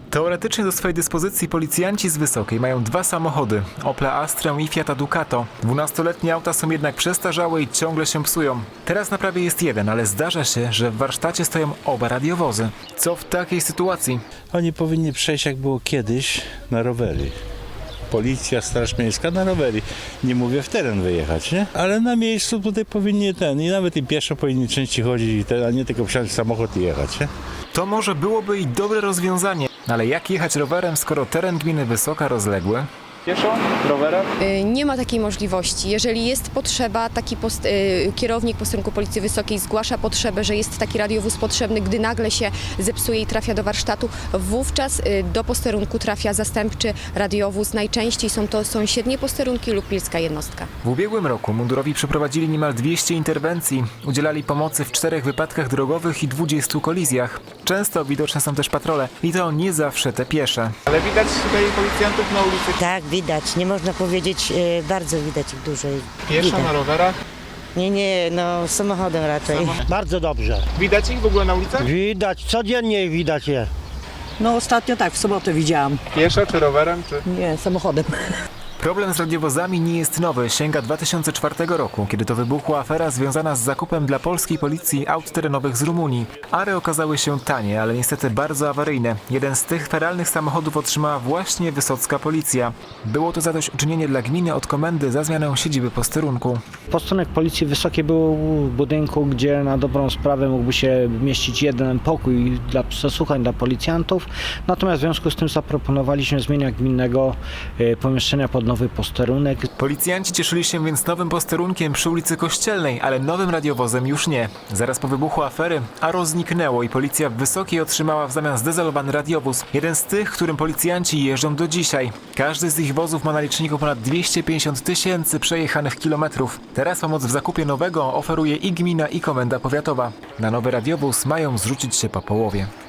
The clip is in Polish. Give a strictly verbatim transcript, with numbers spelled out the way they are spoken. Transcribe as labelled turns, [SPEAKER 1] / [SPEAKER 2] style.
[SPEAKER 1] Teoretycznie do swojej dyspozycji policjanci z Wysokiej mają dwa samochody, Opla Astrę i Fiata Ducato. Dwunastoletnie auta są jednak przestarzałe i ciągle się psują. Teraz na prawie jest jeden, ale zdarza się, że w warsztacie stoją oba radiowozy. Co w takiej sytuacji?
[SPEAKER 2] Oni powinni przejść, jak było kiedyś, na rowery. Policja, Straż Miejska na rowery. Nie mówię w teren wyjechać, nie? Ale na miejscu tutaj powinni ten, i nawet i pieszo powinni częściej chodzić, i ten, a nie tylko wsiąść w samochód i jechać, nie?
[SPEAKER 1] To może byłoby i dobre rozwiązanie, ale jak jechać rowerem, skoro teren gminy Wysoka rozległy? Pieszo? Rowerem?
[SPEAKER 3] Y, Nie ma takiej możliwości. Jeżeli jest potrzeba, taki post, y, kierownik posterunku Policji Wysokiej zgłasza potrzebę, że jest taki radiowóz potrzebny, gdy nagle się zepsuje i trafia do warsztatu, wówczas y, do posterunku trafia zastępczy radiowóz. Najczęściej są to sąsiednie posterunki lub pilska jednostka.
[SPEAKER 1] W ubiegłym roku mundurowi przeprowadzili niemal dwieście interwencji. Udzielali pomocy w czterech wypadkach drogowych i dwudziestu kolizjach. Często widoczne są też patrole i to nie zawsze te piesze.
[SPEAKER 4] Ale widać tutaj policjantów na ulicy.
[SPEAKER 5] Tak, widać. Nie można powiedzieć, e, bardzo widać ich dużo.
[SPEAKER 4] Pieszo,
[SPEAKER 5] Widać.
[SPEAKER 4] na rowerach.
[SPEAKER 5] Nie, nie, no samochodem raczej.
[SPEAKER 6] Bardzo dobrze.
[SPEAKER 4] Widać ich w ogóle na ulicach?
[SPEAKER 6] Widać, codziennie ich widać je.
[SPEAKER 7] No ostatnio tak, w sobotę widziałam.
[SPEAKER 4] Pieszo czy rowerem? Czy...
[SPEAKER 7] Nie, samochodem.
[SPEAKER 1] Problem z radiowozami nie jest nowy, sięga dwa tysiące czwartego roku, kiedy to wybuchła afera związana z zakupem dla polskiej policji aut terenowych z Rumunii. Ary okazały się tanie, ale niestety bardzo awaryjne. Jeden z tych feralnych samochodów otrzymała właśnie wysocka policja. Było to zadośćuczynienie dla gminy od komendy za zmianę siedziby posterunku.
[SPEAKER 8] Posterunek Policji Wysokiej był w budynku, gdzie na dobrą sprawę mógłby się mieścić jeden pokój dla przesłuchań dla policjantów. Natomiast w związku z tym zaproponowaliśmy zmianę gminnego e, pomieszczenia pod nowy posterunek.
[SPEAKER 1] Policjanci cieszyli się więc nowym posterunkiem przy ulicy Kościelnej, ale nowym radiowozem już nie. Zaraz po wybuchu afery Aro zniknęło i policja w Wysokiej otrzymała w zamian zdezolowany radiowóz. Jeden z tych, którym policjanci jeżdżą do dzisiaj. Każdy z ich wozów ma na liczniku ponad dwieście pięćdziesiąt tysięcy przejechanych kilometrów. Teraz pomoc w zakupie nowego oferuje i gmina, i komenda powiatowa. Na nowy radiowóz mają zrzucić się po połowie.